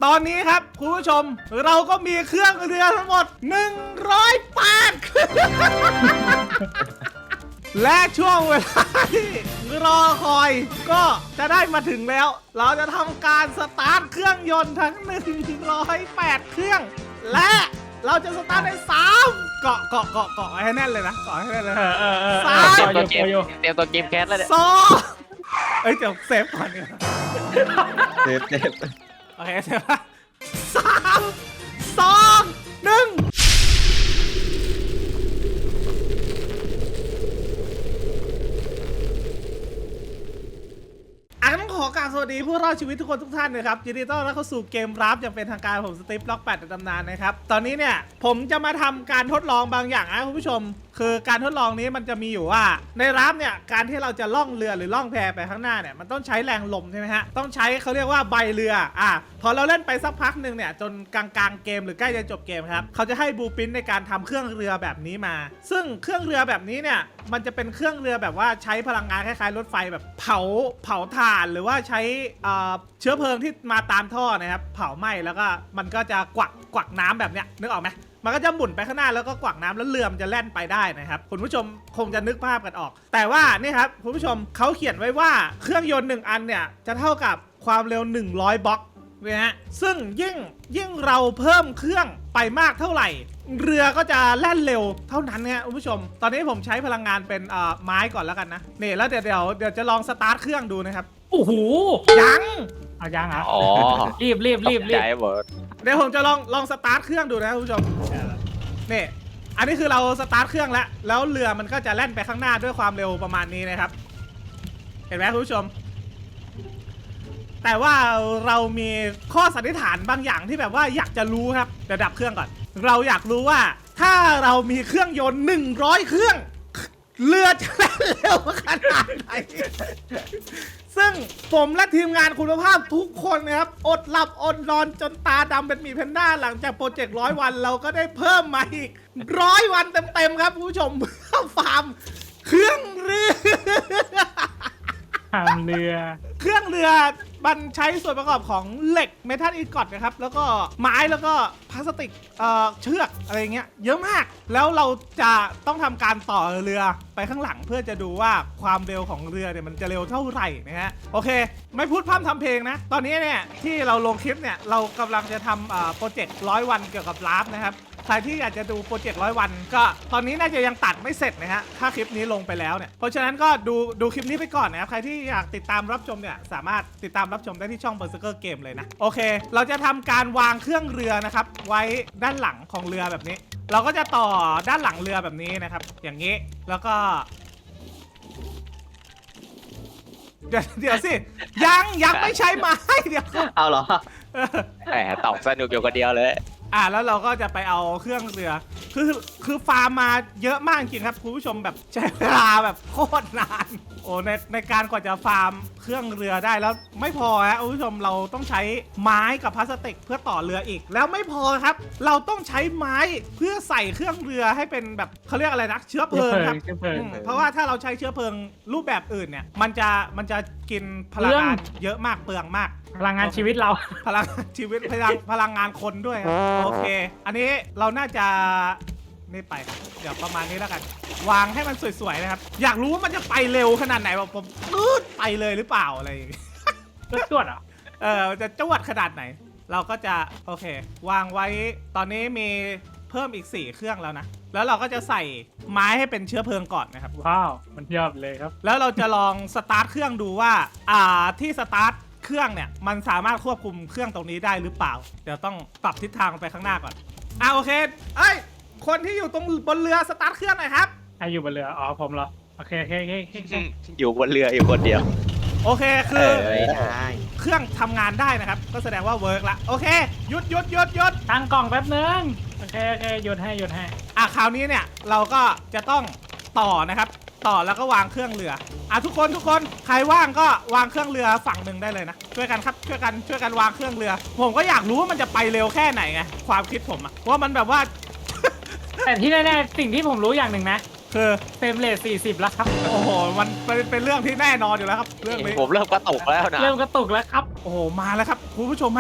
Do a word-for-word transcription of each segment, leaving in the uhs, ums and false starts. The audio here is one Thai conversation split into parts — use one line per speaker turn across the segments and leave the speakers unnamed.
ตอนนี้ครับคุณผู้ชมเราก็มีเครื่องเรือทั้งหมดหนึ่งร้อยแปดเครื่องและช่วงเวลาที่รอคอยก็จะได้มาถึงแล้วเราจะทำการสตาร์ทเครื่องยนต์ทั้งหนึ่งร้อยแปดเครื่องและเราจะสตาร์ทในสามเกาะเกาะเกาะเกาะให้แน่นเลยนะเกาะให้แน่นเลย
เออเออเออ
สาม
เตรียม
ตั
ตัว ว
เก
เก
ม
ม
เตรียมตัวเกมแคสแล้วเนี่ย
สองเอ้ยเดี๋ยวเซฟก่อนเนี่ย
เซฟเซฟ
โอเคเซฟละสามสองหนึ่งอ่ะต้องขอกราบสวัสดีผู้รอดชีวิตทุกคนทุกท่านนะครับยินดีต้อนรับเข้าสู่เกมรับอย่างเป็นทางการผมสตีฟล็อกแปดในตำนานนะครับตอนนี้เนี่ยผมจะมาทำการทดลองบางอย่างนะคุณผู้ชมคือการทดลองนี้มันจะมีอยู่ว่าในรับเนี่ยการที่เราจะล่องเรือหรือล่องแพไปข้างหน้าเนี่ยมันต้องใช้แรงลมใช่ไหมฮะต้องใช้เขาเรียกว่าใบเรืออ่ะพอเราเล่นไปสักพักหนึ่งเนี่ยจนกลางๆเกมหรือใกล้จะจบเกมครับเขาจะให้บลูพรินท์ในการทำเครื่องเรือแบบนี้มาซึ่งเครื่องเรือแบบนี้เนี่ยมันจะเป็นเครื่องเรือแบบว่าใช้พลังงานคล้ายๆรถไฟแบบเผาเผาถ่านหรือว่าใช้เชื้อเพลิงที่มาตามท่อนะครับเผาไหม้แล้วก็มันก็จะกวักกวักน้ำแบบเนี้ยนึกออกไหมมันก็จะหมุนไปข้างหน้าแล้วก็กวักน้ำแล้วเรือมันจะแล่นไปได้นะครับคุณผู้ชมคงจะนึกภาพกันออกแต่ว่านี่ครับคุณผู้ชมเขาเขียนไว้ว่าเครื่องยนต์หนึ่งอันเนี่ยจะเท่ากับความเร็วหนึ่งร้อยบล็อกนะฮะซึ่งยิ่งยิ่งเราเพิ่มเครื่องไปมากเท่าไหร่เรือก็จะแล่นเร็วเท่านั้นนะคุณผู้ชมตอนนี้ผมใช้พลังงานเป็นไม้ก่อนแล้วกันนะนี่แล้วเดี๋ยวเดี๋ยวเดี๋ยวจะลองสตาร์ทเครื่องดูนะครับ
โอ้โห
ยัง
เอายังเหรอ
อ๋อ
รีบรีบรีบรี
ใจ
บ
หมด
เดี๋ยวผมจะลองลองสตาร์ทเครื่องดูนะคุณผู้ชมนี่อันนี้คือเราสตาร์ทเครื่องแล้วแล้วเรือมันก็จะแล่นไปข้างหน้าด้วยความเร็วประมาณนี้นะครับเห็นไหมคุณผู้ชมแต่ว่าเรามีข้อสันนิษฐานบางอย่างที่แบบว่าอยากจะรู้ครับเดี๋ยวดับเครื่องก่อนเราอยากรู้ว่าถ้าเรามีเครื่องยนต์หนึ่งร้อยเครื่องเรือจะแล่นเร็วขนาดไหนซึ่งผมและทีมงานคุณภาพทุกคนนะครับอดหลับอดนอนจนตาดำเป็นหมีแพนด้าหลังจากโปรเจกต์ร้อยวันเราก็ได้เพิ่มมาอีกร้อยวันเต็มๆครับคุณผู้ชมเพื่อฟาร์มเครื่องเรือ
ทำเรือ
เครื่องเรือมันใช้ส่วนประกอบของเหล็กเมทัลอินกอตนะครับแล้วก็ไม้แล้วก็พลาสติกเอ่อเชือกอะไรเงี้ยเยอะมากแล้วเราจะต้องทำการต่อเรือไปข้างหลังเพื่อจะดูว่าความเร็วของเรือเนี่ยมันจะเร็วเท่าไหร่นะฮะโอเคไม่พูดพร่ำทำเพลงนะตอนนี้เนี่ยที่เราลงคลิปเนี่ยเรากำลังจะทำโปรเจกต์ร้อยวันเกี่ยวกับลาฟนะครับใครที่อยากจะดูโปรเจกต์ร้อยวันก็ตอนนี้น่าจะยังตัดไม่เสร็จนะฮะถ้าคลิปนี้ลงไปแล้วเนี่ยเพราะฉะนั้นก็ดูดูคลิปนี้ไปก่อนนะครับใครที่อยากติดตามรับชมเนี่ยสามารถติดตามรับชมได้ที่ช่อง Berserker Game เลยนะโอเคเราจะทำการวางเครื่องเรือนะครับไว้ด้านหลังของเรือแบบนี้เราก็จะต่อด้านหลังเรือแบบนี้นะครับอย่างนี้แล้วก็เดี๋ยวเดี๋ยวสิยังยังไม่ใช้ไม้เดี๋ยว
เอาเหรอ
แหมตอบสนุกอยู่คนเดียวเลย
อ่ะแล้วเราก็จะไปเอาเครื่องเรือคือคือฟาร์มมาเยอะมากจริงครับคุณผู้ชมแบบใช้เวลาแบบโคตรนานโอ้ในในการกว่าจะฟาร์มเครื่องเรือได้แล้วไม่พอฮะคุณผู้ชมเราต้องใช้ไม้กับพลาสติกเพื่อต่อเรืออีกแล้วไม่พอครับเราต้องใช้ไม้เพื่อใส่เครื่องเรือให้เป็นแบบเขาเรียกอะไรนะเชื้อเพลิงครับ
เชื้อเพลิง
อืมเพราะว่าถ้าเราใช้เชื้อเพลิงรูปแบบอื่นเนี่ยมันจะมันจะกินพลังงานเยอะมากเปลืองมาก
พลังงานชีวิตเรา
พลังงานชีวิตพลังพลังงานคนด้วยครับโอเค อันนี้เราน่าจะนี่ไปครับเดี๋ยวประมาณนี้แล้วกัน วางให้มันสวยๆนะครับอยากรู้ว่ามันจะไปเร็วขนาดไหนแบบผมปื๊ดไปเลยหรือเปล่าอะไรอย่างงี้
ก็จวดเหรอ
เออจะจวดขนาดไหน เราก็จะโอเค วางไว้ตอนนี้มีเพิ่มอีกสี่เครื่องแล้วนะแล้วเราก็จะใส่ไม้ให้เป็นเชื้อเพลิงก่อนนะครับ
ว้าวมันยอดเลยครับ
แล้วเราจะลองสตาร์ทเครื่องดูว่าอ่าที่สตาร์ทเครื่องเนี่ยมันสามารถควบคุมเครื่องตรงนี้ได้หรือเปล่าเดี๋ยวต้องปรับทิศทางไปข้างหน้าก่อนอ่าโอเคเอ้ยคนที่อยู่ตรงบนเรือสตาร์ทเครื่องหน่อยครับ
ใครอยู่บนเรืออ๋อผมเหรอโอเคโอเคโอเคโอเค
อยู่บนเรืออยู่คนเดียว
โอเคคือ
เอ้ยได้
เครื่องทำงานได้นะครับก็แสดงว่าเวิร์กละโอเคหยุดหยุดหยุดหยุด
ตั้งกล่องแป๊บนึงโอเคโอเคหยุดให้หยุดให้
อ่ะคราวนี้เนี่ยเราก็จะต้องต่อนะครับต่อแล้วก็วางเครื่องเรืออ่ะทุกคนทุกคนใครว่างก็วางเครื่องเรือฝั่งหนึ่งได้เลยนะช่วยกันครับช่วยกันช่วยกันวางเครื่องเรือ ผมก็อยากรู้ว่ามันจะไปเร็วแค่ไหนไงความคิดผมอะว่ามันแบบว่า
แต่ที่แน่ๆสิ่งที่ผมรู้อย่างหนึ่งนะ
คือ
เฟรมเรทสี่สิบแล้วครับ
โอ้โหมันเป็นเป็นเรื่องที่แน่นอนอยู่แล้วครับเรื่องนี้
ผมเริ่มกระตุกแล้วนะ
เริ่มกระตุกแล้วครับ
โอ้โหมาแล้วครับคุณผู้ชมฮะ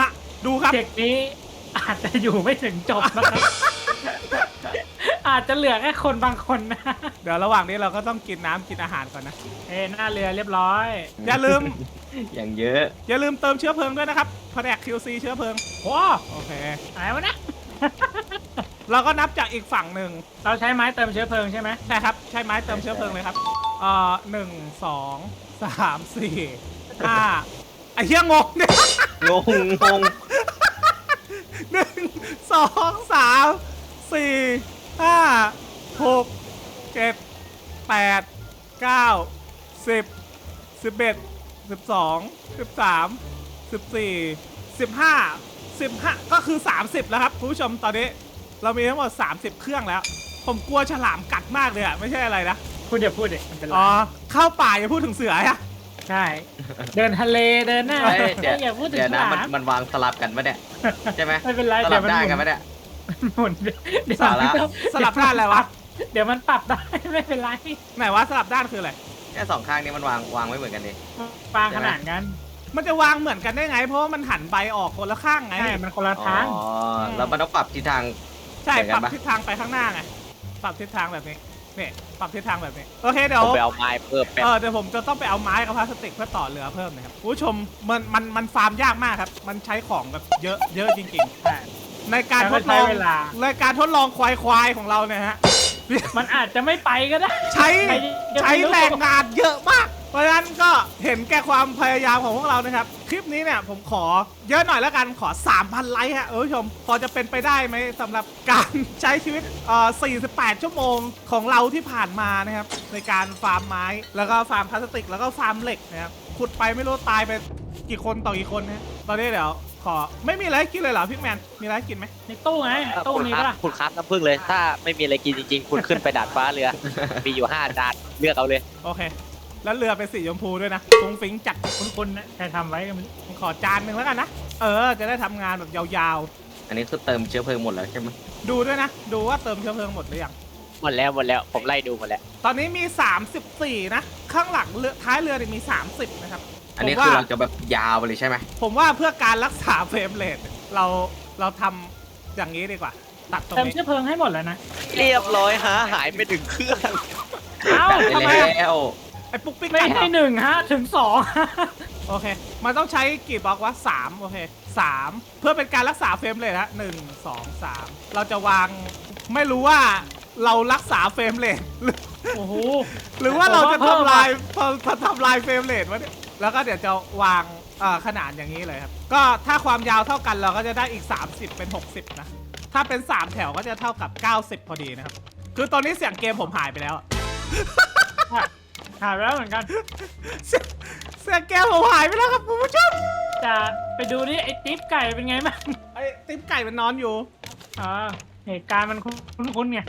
ดูครับ
เด็กนี้อาจจะอยู่ไม่ถึงจบนะครับ อาจจะเหลือแค่คนบางคนนะ
เดี๋ยวระหว่างนี้เราก็ต้องกินน้ำกินอาหารก่อนนะ
เอ้หน้าเรือเรียบร้อย
อย่าลืม
อย่างเยอะ
อย่าลืมเติมเชื้อเพลิงด้วยนะครับแผนก คิว ซี เชื้อเพลิง
โอ้
โอเค
อะไรวะเนะ
เราก็นับจากอีกฝั่งหนึ่ง
เราใช้ไม้เติมเชื้อเพลิงใช่ไหม
ใช่ครับใช้ไม้เติมเชื้อเพลิงเลยครับเอ่อหนึ่งสองสามสี่ห้าไอ้เหี้ยงงเนี่ย
งงงง
หนึ่งสองสามสี่ห้าหกเจ็ดแปดเก้าสิบสิบเอ็ดสิบสองสิบสามสิบสี่สิบห้าสิบห้าก็คือสามสิบแล้วครับคุณผู้ชมตอนนี้เรามีทั้งหมดสามสิบเครื่องแล้ว ผมกลัวฉลามกัดมากเลยอะไม่ใช่อะไรนะ
พูดอย่าพูดเด็กมันเป็นไร
อ๋อเข้าป่าอย่าพูดถึงเสืออะ
ใช่ เดินทะเลเดินหน้า
เฮ้ยเดี๋ยว
อย่าพูดถึง
เดี๋ยว
ฉ
นะ
ลา
มัน
ม
มันวางสลับกันปะเนี่ยใช่ไหม
ไม่เป็นไร
ส
เดี๋
ลั
ยว
บ
มัน
ได้
หมุ
กัน
น
ปะเนี่ย
หมุนเดี๋ยว
สาระ
สลับด้านอะไรวะ
เดี๋ยวมันปรับได้ ไม่เป็นไร
ไหนวะสลับด้านคืออะไร
แค่สองข้างนี้มันวางวางไม่เหมือนกันดิ
ปางขนาดกัน
มันจะวางเหมือนกันได้ไง เพราะว่ามันหันใบออกคนละข้างไง
ใช่มันคนละ
อ๋
ทาง
อแล้วมันต้องปรับทิศทาง
ใช่
เหมือน
ป
กั
รั
น
บ
ปะ
ทิศทางไปข้างหน้าไงปรับทิศทางแบบนี้นี่ปรับทิศทางแบบนี้โอเคเดี๋ย
ผ
ว
มไปเอาไม้เพิ่มแป๊บ
เออเดี๋ยวผมจะต้องไปเอาไม้กับพลาสติกเพื่อต่อเรือเพิ่มนะครับคุณผู้ชมมันมันมันฟาร์มยากมากครับ มันใช้ของแบบเยอะเยอะจริง
ใช่
ๆ ในการ
แล้ว
ท
ก็
ดล
ใช้
อง
เวลา
ในการทดลองควายควายของเราเนี่ยฮะ
มันอาจจะไม่ไปก็ได้
ใช้
ใครจะไปรู้
ใช้แรงงานเยอะมาก เพราะฉะนั้นก็เห็นแก่ความพยายามของพวกเรานะครับ คลิปนี้เนี่ยผมขอเยอะหน่อยแล้วกันขอ สามพัน ไลค์ฮะคุณผู้ชม พอจะเป็นไปได้ไหมสำหรับการใช้ชีวิตเอ่อสี่สิบแปด ชั่วโมงของเราที่ผ่านมานะครับ ในการฟาร์มไม้ แล้วก็ฟาร์มพลาสติก แล้วก็ฟาร์มเหล็กนะครับขุดไปไม่รู้ตายไปกี่คนต่อกี่คนนะตอนนี้เดี๋ยวขอไม่มีอะไรให้กินเลยเหรอพี่แมนมีอะไรให้กินไหม
ในตู้ไงตู้
คุณ
มี
ครั
ปะ
บ
ล่ะ
คุณครับน้ำผึ้งเลย ถ้าไม่มีอะไรกินจริงๆ คุณขึ้นไปดาดฟ้าเรือ มีอยู่ห้าจานเลือกเอาเลย
โอเค แล้วเรือเป็นสีชมพูด้วยนะฟุ้งฟิ้งจัด
คุณๆนะใครทำไว้ก็ไมัน
ผมขอจานหนึ่งแล้วกันนะ เออ จะได้ทำงานแบบยาว
อันนี้คือเติมเชื้อเพลิงหมดแล้วใช่ไหม
ๆ ดูด้วยนะ ดูว่าเติมเชื้อเพลิงหมดหรือยัง
หมดแล้วหมดแล้ว ผมไล่ดูหมดแล้ว
ตอนนี้มี สามสิบสี่ นะ ข้างหลังเรือท้ายเรือเนี่ยมี สามสิบ นะครับ
อันนี้
ผม
คือ
ว่า
เราจะแบบยาวไปเลยใช่ไหม
ผมว่าเพื่อการรักษาเฟรมเรทเราเราทำอย่างนี้ดีกว่า ตัดตรง
เติม
นี้
เชื้อเพลิงให้หมดแล้วนะ
เรียบร้อยฮะหายไปถึงเครื่อง
เอ้า
จัด
ทำไม
ไป
อะ
แล้ว
ไอ้ปุ๊กปิ๊ก
ไม่
กัดเหร
ให้
อ
หนึ่งฮะถึงสอง
โอเค มันต้องใช้กี่บล็อกวะสามโอเคสามเพื่อเป็นการรักษาเฟรมเรทนะหนึ่งสองสามเราจะวางไม่รู้ว่าเรารักษาเฟรมเรท
โอ้โห
หรือว่าเราจะ
ผมว่าเพิ่ม
ทำลายทำทำลายเฟรมเรทวะเนี่ยแล้วก็เดี๋ยวจะวางเอ่อขนาดอย่างนี้เลยครับ ก็ถ้าความยาวเท่ากันเราก็จะได้อีก สามสิบ เป็น หกสิบ นะ ถ้าเป็น สาม แถวก็จะเท่ากับ เก้าสิบ พอดีนะครับ คือตอนนี้เสียงเกมผมหายไปแล้วอะ
หายไปแล้วเหมือนกัน
เสียงเสียงเกมผมหายไปแล้วครับคุณผู้ชม
จะไปดูนี่ไอ้ติ๊บไก่เป็นไงบ้าง
ไอ้ติ๊บไก่มันนอนอยู่
อ่าเหตุการณ์มันคุ้นๆไง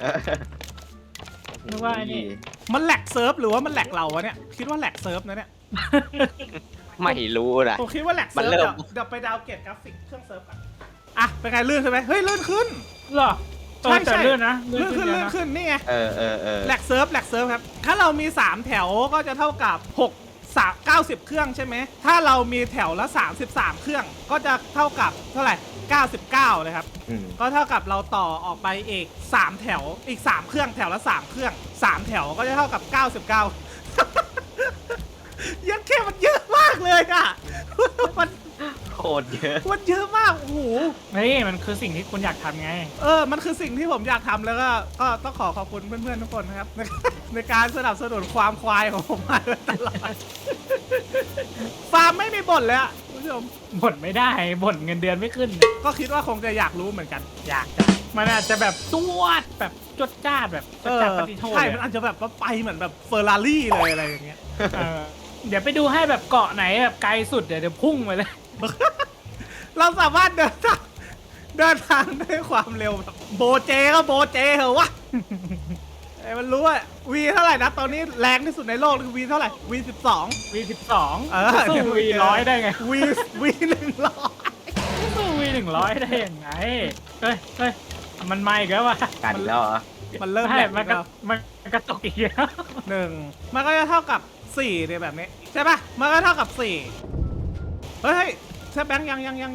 นึกว่าไอ้นี่
มันแหลกเซิร์ฟหรือว่ามันแหลกเราวะเนี่ย คิดว่าแหลกเซิร์ฟนะเนี่ย
ไม่รู้นะ
ผมคิดว่าแหลกเซิร์ฟ
มันเริ่
เดี๋ย
ม
วเดี๋ยวไปดาวน์เกรดกราฟิกเครื่องเซิร์ฟก่อนอ่ะเป็นไงลื่นใช่ไหมเฮ้ยลื่นขึ้น
เหรอ
ใช่
เออแต่
ใช่
เลื่อนนะ
ลื่นขึ้น
เย
ลื่
อะ
น
นะ
ขึ้นนี่ไง
เออเออเออ
แหลกเซิร์ฟแหลกเซิร์ฟครับ ถ้าเรามี สาม แถวก็จะเท่ากับ6 3 90 เครื่องใช่ไหม ถ้าเรามีแถวละ สามสิบสาม เครื่อง ก็จะเท่ากับเท่าไหร่ เก้าสิบเก้าเลยครับ
อืม
ก็เท่ากับเราต่อออกไปอีก สาม แถว อีก สาม เครื่อง แถวละ สาม เครื่อง สาม แถวก็จะเท่ากับ เก้าสิบเก้า ยังแค่มันเยอะมากเลยอะ มัน
โคตรเยอะ
มันเยอะมาก โอ้โห
เฮ้ยมันคือสิ่งที่คุณอยากทำไง
เออ มันคือสิ่งที่ผมอยากทำแล้วก็ ก็ต้องขอขอบคุณเพื่อนๆทุกคนนะครับ ในในการสนับสนุนความควายของผมมาโดยตลอด ฟาร์มไม่มีบ่นเลยอะคุณผู้ชม
บ่นไม่ได้บ่นเงินเดือนไม่ขึ้น
ก็คิดว่าคงจะอยากรู้เหมือนกัน
อยากจะมันอาจจะแบบตวดแบบจดจ้าดแบบจ
เอ
ด
อ
จ้าดปฏิโทษ
ใช่
เลย
มันอาจจะแบบว่าไปเหมือนแบบเฟอร์รารี่เลยอะไรอย่างเงี้ย
เออเดี๋ยวไปดูให้แบบเกาะไหนแบบไกลสุดเดี๋ยวเดี๋ยวพุ่งไปเลย
เราสามารถเดินทางเดินทางด้วยความเร็วแบบโบเจก็โบเจเหอะวะ ไอ้มันรู้ว่าวีเท่าไหร่นะตอนนี้แรงที่สุดในโลกคือวีเท่าไหร่วีสิบสอง
วีสิบสอง
เออ
สู้วีร้อยได้ไง
วีวีหนึ่งร้อย
สู้วีหนึ่งร้อยได้ยังไงเฮ้ยเฮ้ยมันไม่อีกแล้ววะ
กันอีกแล้วเหรอ
มันเริ่ม
ใช่
แหลก
มัน
แล้
ก็
ว
มันกระตกอีกแล้ว
หนึ่งมันก็จะเท่ากับสี่ในแบบนี้ใช่ปะมันก็เท่ากับสี่เฮ้ยเฮ้ยใช่แบงค์ยังยังยังยัง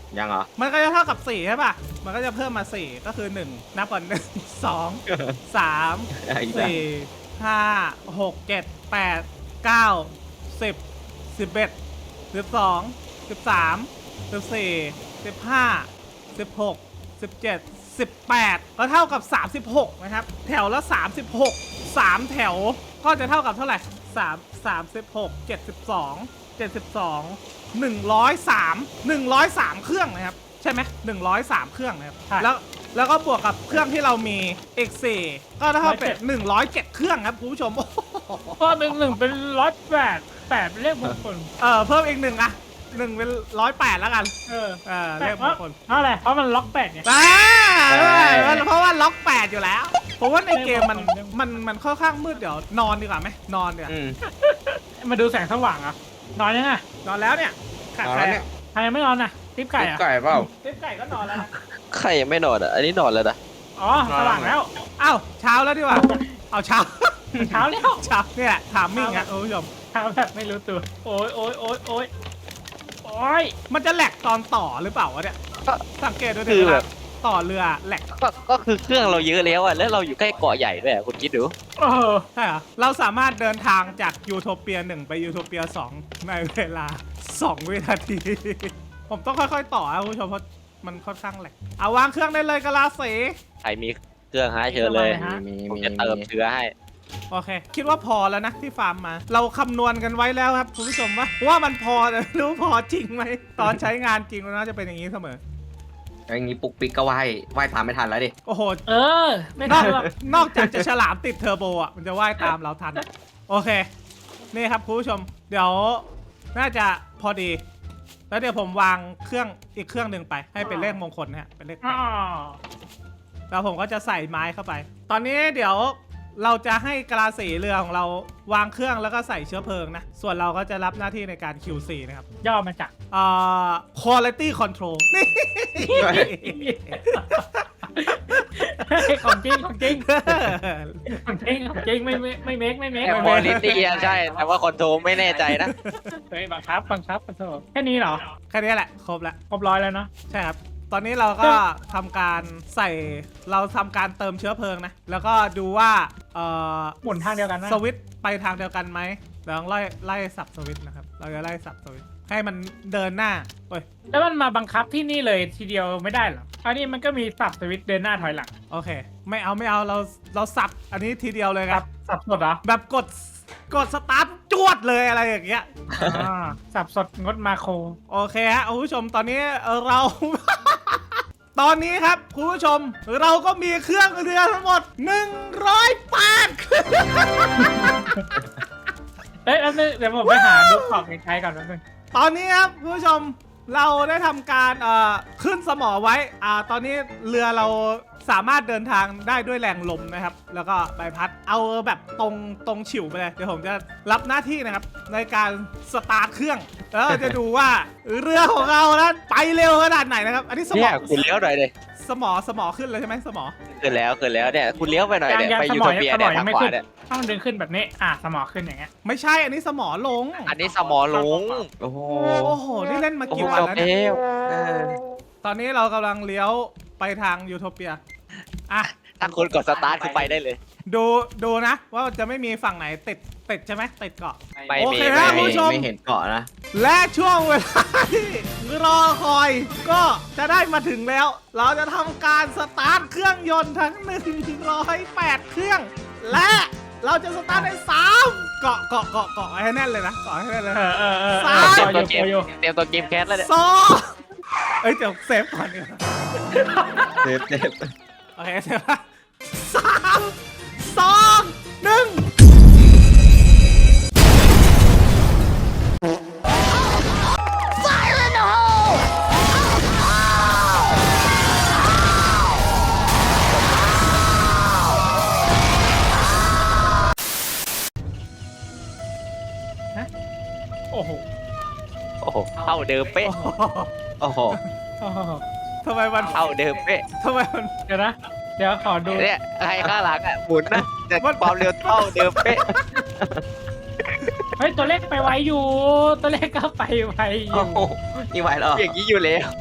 ยังเหรอ
มันก็จะเท่ากับสี่ใช่ป่ะ มันก็จะเพิ่มมาสี่ก็คือหนึ่งนับก่อนหนึ่ง สอง สาม
อีกแล้ว
สี่ ห้า หก เจ็ด แปด เก้า สิบ สิบเอ็ด สิบสอง สิบสาม สิบสี่ สิบห้า สิบหก สิบเจ็ด สิบแปดก็เท่ากับสามสิบหกนะครับแถวละสามสิบหก สามแถวก็จะเท่ากับเท่าไหร่สาม สามสิบหก เจ็ดสิบสอง เจ็ดสิบสอง หนึ่งร้อยสาม หนึ่งร้อยสามเครื่องนะครับใช่ไหมหนึ่งร้อยสามเครื่องนะครับ
ใช่
แล้วแล้วก็บวกกับเครื่องที่เรามี เอ็กซ์ โฟร์ ก็เท่าเป็นหนึ่งร้อยเจ็ดเครื่องครับคุณผู้ชม โอ้โห
ก็หนึ่งหนึ่งเป็นร้อยแปดแปดเป็นเลขมงคล
เออเพิ่มอีกหนึ่งอะหนึ่งเป็นร้อยแปดแล้วกัน
เออ
เออ
แต่
เลขม
เพราะ
งคล
เพราะอะไรเพราะมันล็อกแปดไง
อ่าเพราะว่าล็อกแปดอยู่แล้วผมว่าในเกมมัน
เลขมงคล
มันมันค่อนข้างมืดเดี๋ยวนอนดีกว่าไหมนอนเดี๋ยวา
อืม
มาดูแสงสว่างอ่ะนอนยังไง
นอนแล้วเนี่ยขาด
เอา
ใคร
แล้วเนี่
อะ
ย
ใครยังไม่นอนน่ะติ๊บไก่อ่ะ
ไก่เปล่า
เจ๊ไก่ก็นอนแล้วนะ
ใครยังไม่นอนอ่ะ อันนี้นอนแล้วนะ
อ๋อสว่างแล้ว
อ้าวเช้าแล้วดีกว่าเอาเช้า
เช้าแล้ว
เช้าเนี่ยถามมิ่งอะคุณผู้ชม
เช้าแบบไม่รู้ตัวโอ้ยโอ้ยโอ้ยโอ้ยโอ้ย
มันจะแหลกตอนต่อหรือเปล่าวะเนี่ย
ก็
สังเกตดู
คื
ดิ
อแบบ
ต่อเรือแหลก
ก็ก็คือเครื่องเราเยอะแล้วอ่ะ แล้วเราอยู่ใกล้เกาะใหญ่ด้วยอะคุณคิดดู
เออ
ใช่เหรอเราสามารถเดินทางจากยูโทเปียหนึ่งไปยูโทเปียสองในเวลาสองวินาที ผมต้องค่อยๆต่อนะคุณผู้ชมเพราะมันค่อนข้างแหลกเอาวางเครื่องได้เลยกะลาสี
ใครมีเครื่องให้เชิญเลย
มี
ผม
มี
จะเติม
มี
เชื้อให้
โอเค คิดว่าพอแล้วนะที่ฟาร์มมา เราคำนวณกันไว้แล้วครับคุณผู้ชมว่าว่ามันพอแต่ไม่รู้พอจริงไหมตอนใช้งานจริงมันน่าจะเป็นอย่างนี้เสมอ
อย่างนี้ปุกปิกก็ว่ายว่ายตามไม่ทันแล้วดิ
โอ้โห
เออ ไม่
น
ได้
อก
หรอก
นอกจากจะฉลามติดเทอร์โบอ่ะ มันจะว่ายตามเราทัน โอเค นี่ครับคุณผู้ชม เดี๋ยวน่าจะพอดี แล้วเดี๋ยวผมวางเครื่องอีกเครื่องหนึ่งไป ให้เป็นเลขมงคลนะฮะเป็นเลขแป
อ๋อ
ดแล้วผมก็จะใส่ไม้เข้าไป ตอนนี้เดี๋ยวเราจะให้กะลาสีเรือของเราวางเครื่องแล้วก็ใส่เชื้อเพลิงนะ ส่วนเราก็จะรับหน้าที่ในการ คิว ซี นะครับ
ย่อมาจาก
อ่า quality control นี่
ของจริงของจริงของจริงของจริงไม่ไม่ไม่เมคไม่เมค
แอ
ไม่
บ
เม
อ
ค
ลิตี้ใช่ แต่ว่าคอนโทรลไม่แน่ใจนะ
เฮ้ยบังคับบังคับขอโทษแค่นี้เหรอ
แค่นี้แหละ ครบแล้ว
ครบร้อยแล้วเนาะ
ใช่ครับ ตอนนี้เราก็ทำการใส่ เราทำการเติมเชื้อเพลิงนะ แล้วก็ดูว่าเอ่อ
หมุนทางเดียวกันนะ
สวิตช์ไปทางเดียวกันไหมเราต้องไล่ไล่สับสวิตช์นะครับ เราจะไล่สับสวิตช์ให้มันเดินหน้าโอ้ย
แล้วมันมาบังคับที่นี่เลยทีเดียวไม่ได้เหรออันนี้มันก็มีสับสวิตช์เดินหน้าถอยหลัง
โอเค ไม่เอาไม่เอาเราเราสับอันนี้ทีเดียวเลยค
สั
รั
บบ สับสดเหรอ
แบบกดกดสตาร์ทจวดเลยอะไรอย่างเงี้ย
อ่าสับสดงดมาโคร
โอเคฮะคุณผู้ชมตอนนี้เอ่อเรา ตอนนี้ครับคุณผู้ชมเราก็มีเครื่องเรือทั้งหมดหนึ่งร้อยแปดเครื่อง
เอ้ยแล้วนึงเดี๋ยวผมไปหาดูของในใช้ก่อนแป๊บนึง
ตอนนี้ครับคุณผู้ชมเราได้ทำการเอ่อขึ้นสมอไว้อ่าตอนนี้เรือเราสามารถเดินทางได้ด้วยแรงลมนะครับ แล้วก็ใบพัดเอาแบบตรงตรงฉิวไปเลยเดี๋ยวผมจะรับหน้าที่นะครับในการสตาร์ทเครื่องแล้วเราจะดูว่าเรือของเรานั้นไปเร็วขนาดไหนนะครับ อันนี้สม
เนี่
อย
คุณเลี้ยวหน่อยเลย
สมอสมอขึ้นเลยใช่ไหมสมอ
ขึ้นแล้วขึ้นแล้วเนี่ย คุณเลี้ยวไปหน่อยเนี่ย
ยัง
ไป
ส
ยู
มอ
โท
ยัง
เปีย
สม
เนี่
อย ยั
ทาง ง
ไม่
ขวา
ขึ้น
เนี่ย
ต้องดึงขึ้นแบบนี้อ่ะสมอขึ้นอย่างเงี้ย
ไม่ใช่อันนี้สมอลง
อันนี้สมอลง
โอ้โห
โอ้โหนี่เล่นมา
โอ้โห
กี่วัน
จบ
แล้ว
เอ
เนี่ย
วเออ
ตอนนี้เรากำลังเลี้ยวไปทางยูโทเปียอ่ะ
ถ้าคุณกดสตาร์ทคือไปได้เลย
ดูดูนะว่าจะไม่มีฝั่งไหนติดติดใช่ไหมติดเกาะ
ไม่
โอ
มี
เค
ไม่
นะ
มี
คุณผู้ชม
ไม่เห็นเกาะนะ
และช่วงเวลาที่รอคอยก็จะได้มาถึงแล้ว เราจะทำการสตาร์ทเครื่องยนต์ทั้งหนึ่งร้อยแปดเครื่อง และเราจะสตาร์ทในสามเกาะเกาะเกาะเกาะให้แน่นเลยนะเกาะให้แน่นเลย
เออเออเออ
สาม
เอ
เตรี
อย
ม
อ
ตัว
ยู่
เกม
อยู่
เตรียมตัวเกมแคสแล้วเนี่ย
สองเอ้ยเดี๋ยวเซฟก่อนดีกว่า
เจ็บเจ็บ
โอเคเซฟละสามสองหนึ่ง
โอ้โห
โอ้โหเท่าเดิมเป๊ะ
โอ้โห
โอ้โห
โอ้โห
ทำไมมัน
เท่าเดิมเป๊ะ
ทำไมมัน
เดี๋ยวนะ เดี๋ยวขอดู
เนี่ยใครข้างหลังอ่ะหมุนนะแต่ความเร็วเท่าเดิมเป๊ะ
เฮ้ยตัวเลขไปไวอยู่ ตัวเลขก็ไปไวอ
โอ้
ยู่
โหนี่ไหวเหรอ
อย่างนี้อยู่แล้ว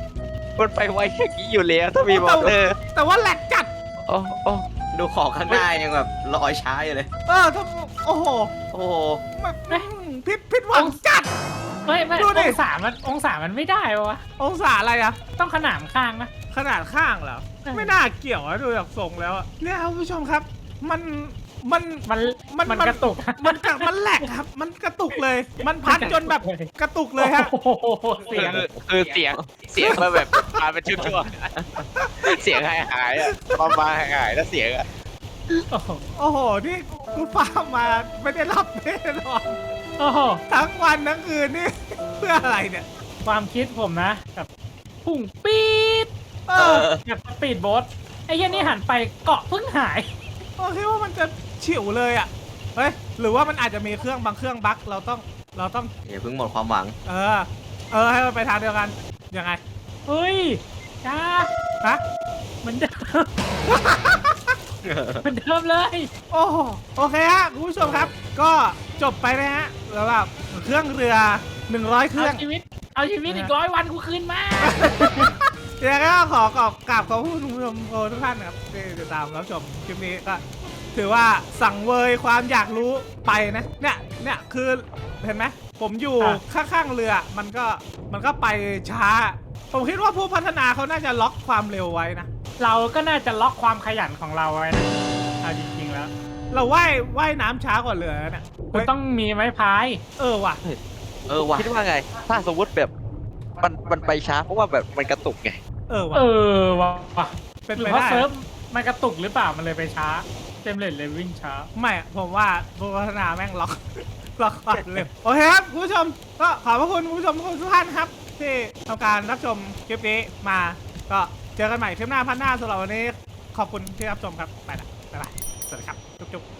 มันไปไวอย่างนี้อยู่แล้วถ้ามีมอเตอร์
แต่ว่าแหลกจัด
โอ้โอ้
ดูของข้างหน้ายังแบบลอยช้าอยู่เลย
เออถ้าโอ้โห
โอ้โห
มันพิษพิษหวังจัด
ไม่ไม่
ดูดิ
องศามันองศามันไม่ได้วะ
องศาอะไรอะ
ต้องขนานข้างนะ
ขนาดข้างเหรอ
เออ
ไม่น่าเกี่ยวนะดูจากทรงแล้วอะเนี่ยครับคุณผู้ชมครับ มันมัน
มัน
มัน
มัน
มัน
กระตุก
มันกระมันแหลกครับ มันกระตุกเลย มันพัดจนแบบกระตุกเลยฮะ
โอ้โหเสียง
คือคือเสียงเสียงมาแบบมาเป็นช่วงๆเสียงหายหายๆอะมามาหายหายๆแล้วเสียงอะ
โอ้โห
โอ้โห นี่คุณฟ้ามาไม่ได้รับแน่นอน
โอ้โห
ทั้งวันทั้งคืนนี่ เพื่ออะไรเนี่ย
ความคิดผมนะกับพุ่งปี๊ด
เอ
เอ
อ
อ
กับสปีดโบ๊ทไอ้เหี้ยนี่หันไปเกาะเพิ่งหาย
โอเคว่ามันจะฉิวเลยอ่ะ เฮ้ย หรือว่ามันอาจจะมีเครื่องบางเครื่องบั๊กเราต้อง เราต้อง
อย่าเพิ่งหมดความหวัง
เออ เออ ให้มันไปทางเดียวกัน ยังไง
เฮ้ยจ้า
ฮะ
เหมือนเดิมเหมือนเดิมเลย
โอ้โหโอเคฮะคุณผู้ชมครับ ก็จบไปนะฮะสำหรับเครื่องเรือหนึ่งร้อยเครื่
เอา
อง
ชีวิต เอาชีวิตอีกร้อยวันกูคืนมา
เดี๋ยวก็ขอขอบกราบขอบคุณคุณผู้ชมทุกท่านนะครับที่ติดตามรับชมคลิปนี้ก็ถือว่าสั่งเวยความอยากรู้ไปนะ เนี่ย เนี่ยคือเห็นไหมผมอยู่
อ่ะ
ข้างๆเรือมันก็มันก็ไปช้า ผมคิดว่าผู้พัฒนาเขาน่าจะล็อกความเร็วไว้นะ
เราก็น่าจะล็อกความขยันของเราไว้นะเอาจริงๆแล้ว
เราว่ายว่ายน้ำช้ากว่าเรือนะเนี่ย
คุณต้องมีไม้พาย
เออว่ะ
เออว่ะ
คิดว่าไง ถ้าสมมติแบบมันมันไปช้าเพราะว่าแบบมันกระตุกไง
เออว่ะ
เออว่ะ
เป็น
หรื
ไป
อว่า
ได้
เซิร์ฟมันกระตุกหรือเปล่ามันเลยไปช้าเต็มเลนเลยวิ่งช้า
ไม่อะผมว่าผู้พัฒนาแม่งล็อก ล็อกความเร็วโอเคครับคุณผู้ชมก็ขอบพระคุณคุณผู้ชมทุกท่านครับ ที่ทำการรับชมคลิปนี้มา ก็เจอกันใหม่คลิปหน้าพันหน้าสำหรับวันนี้ขอบคุณที่รับชมครับไปละบ๊ายบายสวัสดีครับจุ๊บๆ